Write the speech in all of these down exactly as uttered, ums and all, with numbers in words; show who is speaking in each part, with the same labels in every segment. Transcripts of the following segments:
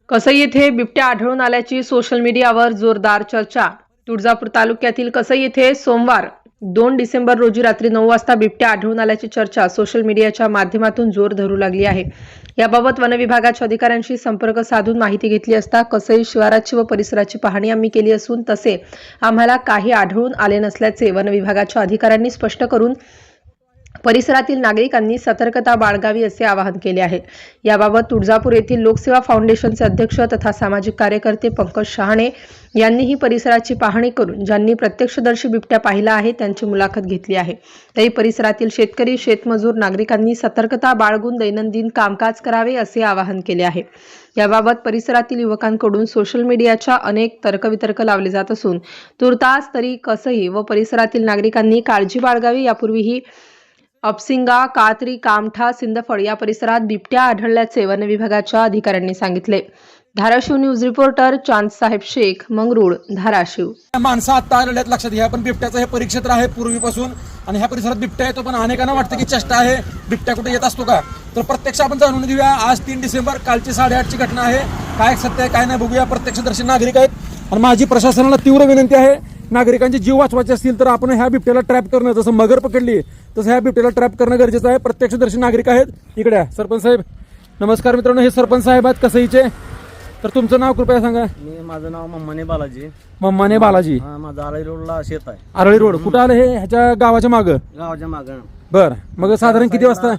Speaker 1: कसई येथे बिबट्या आढळून आल्याची सोशल मीडियावर जोरदार चर्चा। तुळजापूर तालुक्यातील कसई येथे सोमवार दोन डिसेंबर रोजी रात्री नऊ वाजता बिबट्या आढळून आल्याची चर्चा सोशल मीडियाच्या माध्यमातून जोर धरू लागली आहे। याबाबत वन विभागाच्या अधिकाऱ्यांशी संपर्क साधून माहिती घेतली असता कसई शिवाराची व परिसराची पाहणी आम्ही केली असून तसे आम्हाला काही आढळून आले नसल्याचे वन विभागाच्या अधिकाऱ्यांनी स्पष्ट करून परिसरातील नागरिकांनी सतर्कता बाळगावी असे आवाहन केले आहे। याबाबत तुळजापूर येथील लोकसेवा फाउंडेशनचे अध्यक्ष तथा सामाजिक कार्यकर्ते पंकज शहाणे यांनीही परिसराची पाहणी करून ज्यांनी प्रत्यक्षदर्शी बिबट्या पाहिला आहे त्यांची मुलाखत घेतली आहे। तरी परिसरातील शेतकरी, शेतमजूर, नागरिकांनी सतर्कता बाळगून दैनंदिन कामकाज करावे असे आवाहन केले आहे। याबाबत परिसरातील युवकांकडून सोशल मीडियाच्या अनेक तर्कवितर्क लावले जात असून तुर्तास तरी कसई व परिसरातील नागरिकांनी काळजी बाळगावी। यापूर्वीही अपसिंगा, कात्री, कामठा, सिंदफळ या परिसरात बिबट्या आढळल्याचे वन विभागाच्या अधिकाऱ्यांनी सांगितले। Dharashiv news reporter Chandsaheb Shaikh, Mangrul, Dharashiv.
Speaker 2: माणसं आता आलेल्यात लक्षात घ्या, पण बिबट्याचं हे परिक्षेत्र आहे पूर्वीपासून आणि ह्या परिसरात बिबट्या येतो, पण अनेकांना वाटतं की चेष्टा आहे, बिबट्या कुठे येत असतो का? तर प्रत्यक्ष आपण जाणून घेऊया। आज तीन डिसेंबर कालची साडेआठची घटना आहे। काय सत्य आहे काय नाही बघूया। प्रत्यक्षदर्शी नागरिक आहेत आणि माझी प्रशासनाला तीव्र विनंती आहे, नागरिकांचे जीव वाचवायचे असतील तर आपण ह्या बिबट्याला ट्रॅप करणं, जसं मगर पकडली तसं ह्या बिबट्याला ट्रॅप करणं गरजेचं आहे। प्रत्यक्षदर्शी नागरिक आहेत इकडे। सरपंच साहेब नमस्कार। मित्रांनो, हे सरपंच साहेब आहेत कसईचे। तर तुमचं नाव कृपया सांगा।
Speaker 3: मी माझं नाव मम्माने बालाजी।
Speaker 2: मम्माने बालाजी।
Speaker 3: हा, माझं आरळी रोडला शेत आहे।
Speaker 2: आरळी रोड कुठं आलं हे? ह्याच्या गावाच्या मागं?
Speaker 3: गावाच्या मागं।
Speaker 2: बर, मग साधारण किती वाजता?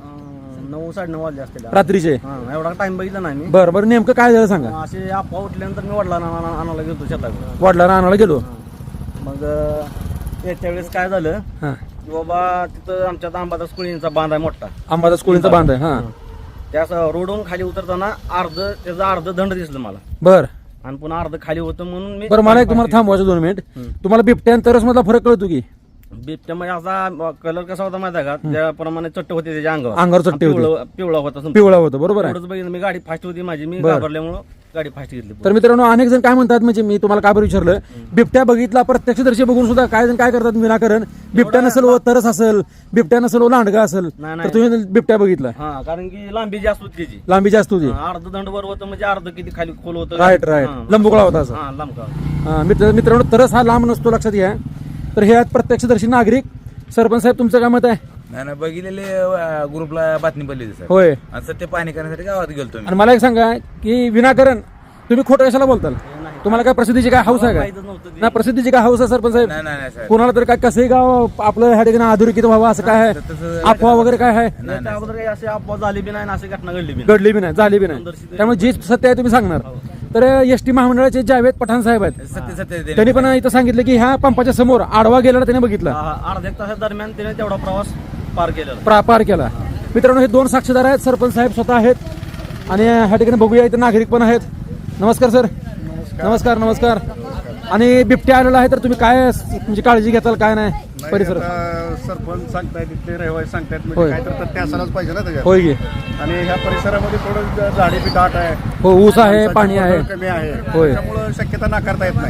Speaker 3: नऊ साडेनऊ वाजले असतील
Speaker 2: रात्रीचे।
Speaker 3: हा, एवढा टाइम बघितला नाही मी।
Speaker 2: बर बर, नेमकं काय झालं सांगा।
Speaker 3: असे अफवा उठल्यानंतर मी वडिला आणायला गेलो शेताकडे।
Speaker 2: वडिला आणायला गेलो,
Speaker 3: मग त्याच्या वेळेस काय झालं
Speaker 2: हा,
Speaker 3: की बाबा तिथं आमच्या अंबादास कुळींचा बांध आहे मोठा।
Speaker 2: अंबादास कोळींचा बांध आहे। हा,
Speaker 3: त्या रोडवरून खाली उतरताना अर्ध त्याचं अर्ध दंड दिसलं मला।
Speaker 2: बर,
Speaker 3: आणि पुन्हा अर्ध खाली होतं म्हणून मी
Speaker 2: बरं मला एक तुम्हाला थांबवायचं दोन मिनिट। तुम्हाला बिबट्यानंतरच मधला फरक कळतो की?
Speaker 3: बिबट्या म्हणजे असा कलर कसा होता माहिती आहे का? त्याप्रमाणे चट्ट होते त्याच्या अंगावर।
Speaker 2: अंगावर चट्टे होते,
Speaker 3: पिवळा पिवळा होता संपूर्ण.
Speaker 2: पिवळा होतं, बरोबर आहे।
Speaker 3: एवढंच बघितलं मी। गाडी फास्ट होती माझी, मी घाबरल्यामुळं गाडी फास्ट घेतली।
Speaker 2: तर मित्रांनो, अनेक जण काय म्हणतात, म्हणजे मी तुम्हाला काय बरं विचारलं, बिबट्या बघितला प्रत्यक्षदर्शी बघून सुद्धा काय जण काय करतात विनाकारण, बिबट्या नसेल व तरस असेल, बिबट्या नसेल व लांडगा असेल, तर तुम्ही बिबट्या बघितला?
Speaker 3: हा, कारण की लांबी जास्त होती त्याची।
Speaker 2: लांबी जास्त होती,
Speaker 3: अर्ध दंड वर होतं म्हणजे अर्ध किती खाली खोल होतं।
Speaker 2: राईट राईट, लंबगोळा होता असं।
Speaker 3: हा, लांब का।
Speaker 2: हा, मित्र मित्रांनो, तरस हा लांब नसतो, लक्षात घ्या। तर हे आहेत प्रत्यक्षदर्शी नागरिक। सरपंच साहेब तुमचं काय मत आहे?
Speaker 4: नाही नाही, बघितलेले ग्रुपला बातमी पडली सर।
Speaker 2: होय,
Speaker 4: आणि सत्य पाहणी करण्यासाठी गावात गेलतो मी।
Speaker 2: आणि मला एक सांगा की विनाकारण तुम्ही खोटं कशाला बोलताल? तुम्हाला काय प्रसिद्धीची काय हौस आहे का? ना प्रसिद्धीची काय हौस आहे सरपंच साहेब?
Speaker 4: नाही नाही नाही साहेब,
Speaker 2: कोणाला तर काय कसंही गाव आपलं ह्या ठिकाणी अधोरेखित व्हावं असं काय आहे? अफवा वगैरे काय आहे?
Speaker 3: नाही, त्या अगोदर काही असे अफवा झाली बी नाही आणि अशी घटना घडली बी नाही।
Speaker 2: घडली बी नाही, झाली बी नाही, त्यामुळे जे सत्य आहे तुम्ही सांगणार। तर एस टी महामंडळाचे जावेद पठाण साहेब आहेत,
Speaker 4: सत्य सत्य
Speaker 2: त्यांनी पण इथं सांगितलं की ह्या पंपाच्या समोर आडवा गेलेला त्याने बघितला,
Speaker 3: हा, अर्ध्या एक तासा दरम्यान त्याने तेवढा प्रवास पार केलेला।
Speaker 2: प्रा- पार केला। मित्रांनो, हे दोन साक्षीदार आहेत, सरपंच साहेब स्वतः आहेत आणि ह्या ठिकाणी बघूया इथे नागरिक पण आहेत। नमस्कार सर। नमस्कार नमस्कार। आणि बिबट्या आलेला आहे, तर तुम्ही काय म्हणजे काळजी घेताल काय नाही परिसर?
Speaker 5: सरपंच सांगतायत, तिथले रहिवासी सांगतायत,
Speaker 2: होय.
Speaker 5: म्हणजे काय तर तथ्य असायलाच पाहिजे ना त्याच्यात।
Speaker 2: होय की?
Speaker 5: आणि ह्या परिसरामध्ये थोडं झाडी बी दाट आहे,
Speaker 2: हो, ऊस आहे, पाणी आहे,
Speaker 5: कमी आहे,
Speaker 2: होय.
Speaker 5: त्यामुळं शक्यता नाकारता येत नाही।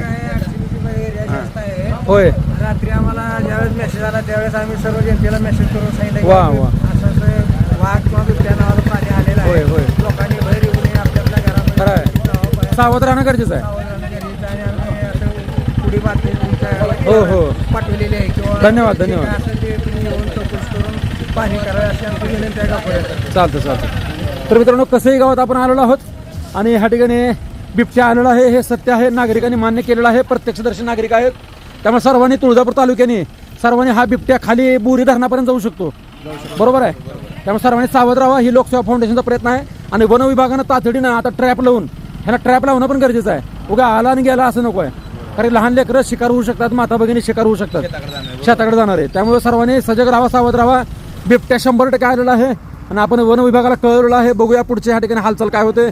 Speaker 2: होय,
Speaker 6: रात्री आम्हाला ज्यावेळेस मेसेज आला त्यावेळेस आम्ही सर्व जनतेला मेसेज करून सांगितलं
Speaker 2: वा
Speaker 6: की
Speaker 2: वा,
Speaker 6: असं असं वाघ किंवा बिबट्या नावाचं पाणी आलेलं
Speaker 2: होय
Speaker 6: आहे,
Speaker 2: होय,
Speaker 6: लोकांनी बाहेर येऊ नये, आपल्या आपल्या
Speaker 2: खरं
Speaker 6: घरामध्ये
Speaker 2: आहे, सावध राहणं गरजेचं आहे।
Speaker 6: आणि आम्ही असं पुढे बातमी
Speaker 2: हो हो,
Speaker 6: पाठवलेली आहे किंवा
Speaker 2: धन्यवाद, धन्यवाद.
Speaker 6: असं ते तुम्ही येऊन चौकशी करून पाणी करावे अशी आमची विनंती आहे गावकऱ्यांना।
Speaker 2: चालतं चालतं। तर मित्रांनो, कसंही गावात आपण आलेलो आहोत आणि ह्या ठिकाणी बिबट्या आलेला आहे, हे सत्य आहे, नागरिकांनी मान्य केलेलं आहे, प्रत्यक्षदर्शी नागरिक आहेत। त्यामुळे सर्वांनी तुळजापूर तालुक्याने सर्वांनी हा बिबट्या खाली बोरी धरणापर्यंत जाऊ शकतो, बरोबर आहे? त्यामुळे सर्वांनी सावध राहावा, ही लोकसेवा फाउंडेशनचा प्रयत्न आहे। आणि वन विभागानं तातडीनं आता ट्रॅप लावून ह्याला ट्रॅप लावणं पण गरजेचं आहे। उगा आला आणि गेला असं नको आहे, कारण लहान लेकरं शिकार होऊ शकतात, माता भगिनी शिकार होऊ शकतात, शेताकडे जाणार आहे। त्यामुळे सर्वांनी सजग राहावा, सावध राहावा। बिबट्या शंभर टक्के आलेला आहे आणि आपण वन विभागाला कळवलेलं आहे। बघूया पुढच्या ह्या ठिकाणी हालचाल काय होते।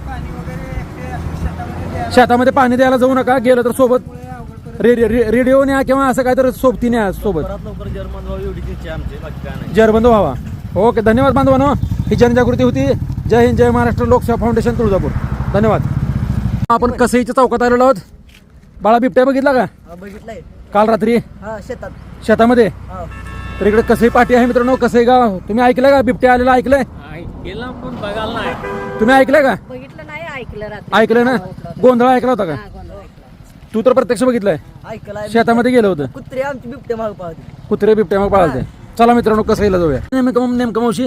Speaker 2: शेतामध्ये पाणी द्यायला जाऊ नका, गेलं तर सोबत रेडिओ न्या किंवा असं काय तर सोबती न्या सोबत,
Speaker 3: लवकर जर्मन व्हावी एवढी इच्छा आमची, बाकी काय नाही।
Speaker 2: जरबंद व्हावा। ओके, धन्यवाद बांधवांनो, ही जनजागृती होती। जय हिंद, जय महाराष्ट्र, लोकसेवा फाउंडेशन तुळजापूर, धन्यवाद। आपण कसईच्या चौकात आलेलो आहोत। बाळा, बिबट्या बघितला का?
Speaker 6: बघितलंय
Speaker 2: काल रात्री
Speaker 6: हा, शेतात
Speaker 2: शेतामध्ये? तर इकडे कसई पाठी आहे मित्रांनो, कसई गाव। तुम्ही ऐकलंय का बिबट्या आलेला? ऐकलंय?
Speaker 3: गेला पण बघायला नाही।
Speaker 2: तुम्ही ऐकलंय का?
Speaker 6: बघितलं नाही,
Speaker 7: ऐकलं रात्री.
Speaker 2: ऐकलं ना गोंधळ ऐकला होता का
Speaker 7: हा, गोंधळ ऐकला.
Speaker 2: तू तर प्रत्यक्ष बघितलंय
Speaker 6: ऐकलाय
Speaker 2: शेतामध्ये गेलं होतं
Speaker 6: कुत्रे आमची बिबटे माग पाहते.
Speaker 2: कुत्रे बिबट्या मग पाळते चला मित्रांनो कसं जाऊया नेमकं नेमकं मावशी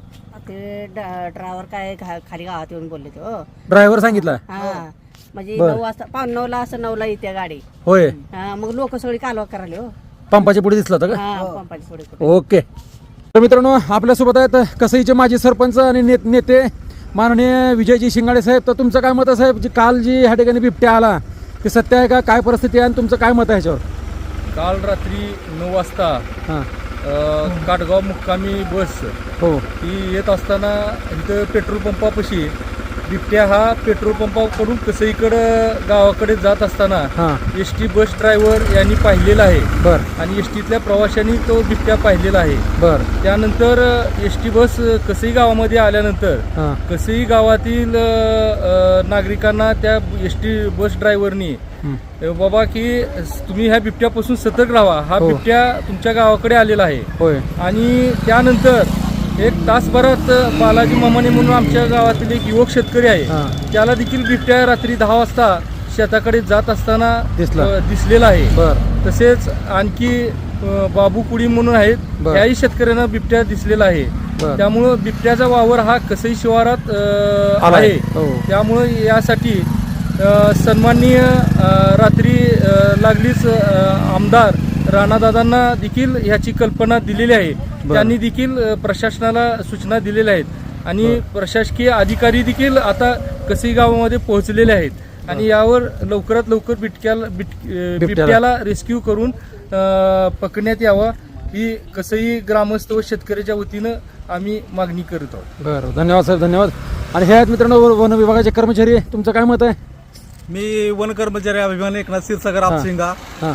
Speaker 7: ते ड्रायव्हर काय खा- खाली गावात येऊन बोलले ते हो.
Speaker 2: ड्रायव्हर सांगितलं
Speaker 7: हा म्हणजे
Speaker 2: बरं.
Speaker 7: नऊ वाजता पाऊण नऊला असं नऊला येते गाडी.
Speaker 2: होय
Speaker 7: हा, मग लोक सगळी कालवा करायला हो.
Speaker 2: पंपाच्या पुढे दिसला होता का
Speaker 7: हा पंपाची पुढे कुठे.
Speaker 2: ओके तर मित्रांनो आपल्यासोबत आहेत कसईचे माजी सरपंच आणि ने- नेते माननीय विजयजी शिंगाडे साहेब तर तुमचं काय मत आहे साहेब जी काल जी ह्या ठिकाणी बिबट्या आला ते सत्य आहे का काय परिस्थिती आहे आणि तुमचं काय मत आहे ह्याच्यावर
Speaker 8: काल रात्री नऊ वाजता
Speaker 2: हां
Speaker 8: अ, काटगाव मुक्कामी बस
Speaker 2: हो
Speaker 8: ही येत असताना इथं पेट्रोल पंपापाशी बिबट्या हा पेट्रोल पंपाकडून कसईकडं गावाकडे जात असताना
Speaker 2: हां
Speaker 8: एस टी बस ड्रायव्हर यांनी पाहिलेला आहे
Speaker 2: बर
Speaker 8: आणि एस टीतल्या प्रवाशांनी तो बिबट्या पाहिलेला आहे.
Speaker 2: बर
Speaker 8: त्यानंतर एस टी बस कसई गावामध्ये आल्यानंतर
Speaker 2: हां
Speaker 8: कसई गावातील अ, अ, नागरिकांना त्या एस टी बस ड्रायव्हरनी
Speaker 2: हं.
Speaker 8: बाबा की तुम्ही ह्या बिबट्यापासून सतर्क राहा हा
Speaker 2: हो.
Speaker 8: बिबट्या तुमच्या गावाकडे आलेला आहे.
Speaker 2: होय
Speaker 8: आणि त्यानंतर एक तासभरात बालाजी मामाने म्हणून आमच्या गावातील एक युवक शेतकरी आहे
Speaker 2: हां
Speaker 8: त्याला देखील बिबट्या रात्री दहा वाजता शेताकडे जात असताना
Speaker 2: दिसला.
Speaker 8: अ, दिसलेला आहे.
Speaker 2: बर
Speaker 8: तसेच आणखी अ, बाबू कुडी म्हणून आहेत
Speaker 2: बर.
Speaker 8: त्याही शेतकऱ्यांना बिबट्या दिसलेला आहे.
Speaker 2: बर.
Speaker 8: त्यामुळं बिबट्याचा वावर हा कसई शिवारात अ,
Speaker 2: आलाय.
Speaker 8: आहे.
Speaker 2: हो.
Speaker 8: त्यामुळं यासाठी अ, सन्माननीय अ, रात्री अ, लागलीच अ, आमदार राणादादांना देखील ह्याची कल्पना दिलेली आहे.
Speaker 2: बर.
Speaker 8: त्यांनी देखील अ, प्रशासनाला सूचना दिलेल्या आहेत आणि प्रशासकीय अधिकारी देखील आता कसई गावामध्ये पोहोचलेले आहेत आणि यावर लवकरात लवकर बिटक्याला बिट अ, बिबट्याला रेस्क्यू करून अ, पकडण्यात यावा ही कसई ग्रामस्थ व शेतकऱ्याच्या वतीनं आम्ही मागणी करत आहोत.
Speaker 2: बरं धन्यवाद साहेब धन्यवाद आणि हे आहेत मित्रांनो वन विभागाचे कर्मचारी तुमचं काय मत आहे
Speaker 9: मी वन कर्मचारी अभिमान एकनाथ क्षीरसागर
Speaker 2: हां.
Speaker 9: आपसिंगा.
Speaker 2: हां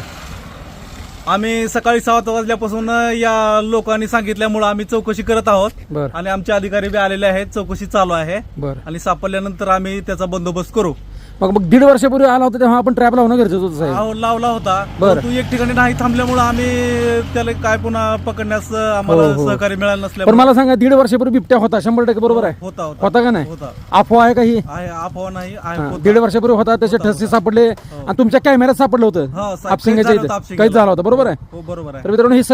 Speaker 9: आम्ही सकाळी सात वाजल्यापासून या लोकांनी सांगितल्यामुळे आम्ही चौकशी करत आहोत
Speaker 2: बर
Speaker 9: आणि आमचे अधिकारी बी आलेले आहेत. चौकशी चालू आहे
Speaker 2: बर
Speaker 9: आणि सापडल्यानंतर आम्ही त्याचा बंदोबस्त करू.
Speaker 2: मग मग दीड वर्षापूर्वी आला होता तेव्हा आपण ट्रॅप लावणं गरजेचं होतं साहेब
Speaker 9: अहो, लावला होता
Speaker 2: बरं.
Speaker 9: तू एक ठिकाणी नाही थांबल्यामुळे आम्ही त्याला काय पुन्हा पकडण्यास आम्हाला
Speaker 2: हो, हो.
Speaker 9: सहकार्य मिळालं
Speaker 2: पण
Speaker 9: नसल्यामुळे
Speaker 2: मला सांगा दीड वर्षापूर्वी बिबट्या होता शंभर टक्के बरोबर आहे
Speaker 9: होता होता
Speaker 2: होता का नाही
Speaker 9: होता
Speaker 2: अफवा आहे का ही
Speaker 9: आहे अफवा नाही आहे
Speaker 2: हां,
Speaker 9: होता.
Speaker 2: दीड वर्षापूर्वी होता त्याचे
Speaker 9: होता,
Speaker 2: ठसे
Speaker 9: होता.
Speaker 2: सापडले आणि तुमच्या कॅमेऱ्यात सापडलं होतं
Speaker 9: हा, साहेब,
Speaker 2: आपसिंगाच्या
Speaker 9: कैद झालं
Speaker 2: इथे
Speaker 9: होतं
Speaker 2: काहीच झाला होता बरोबर आहे
Speaker 9: हो बरोबर आहे.
Speaker 2: तर मित्रांनो ही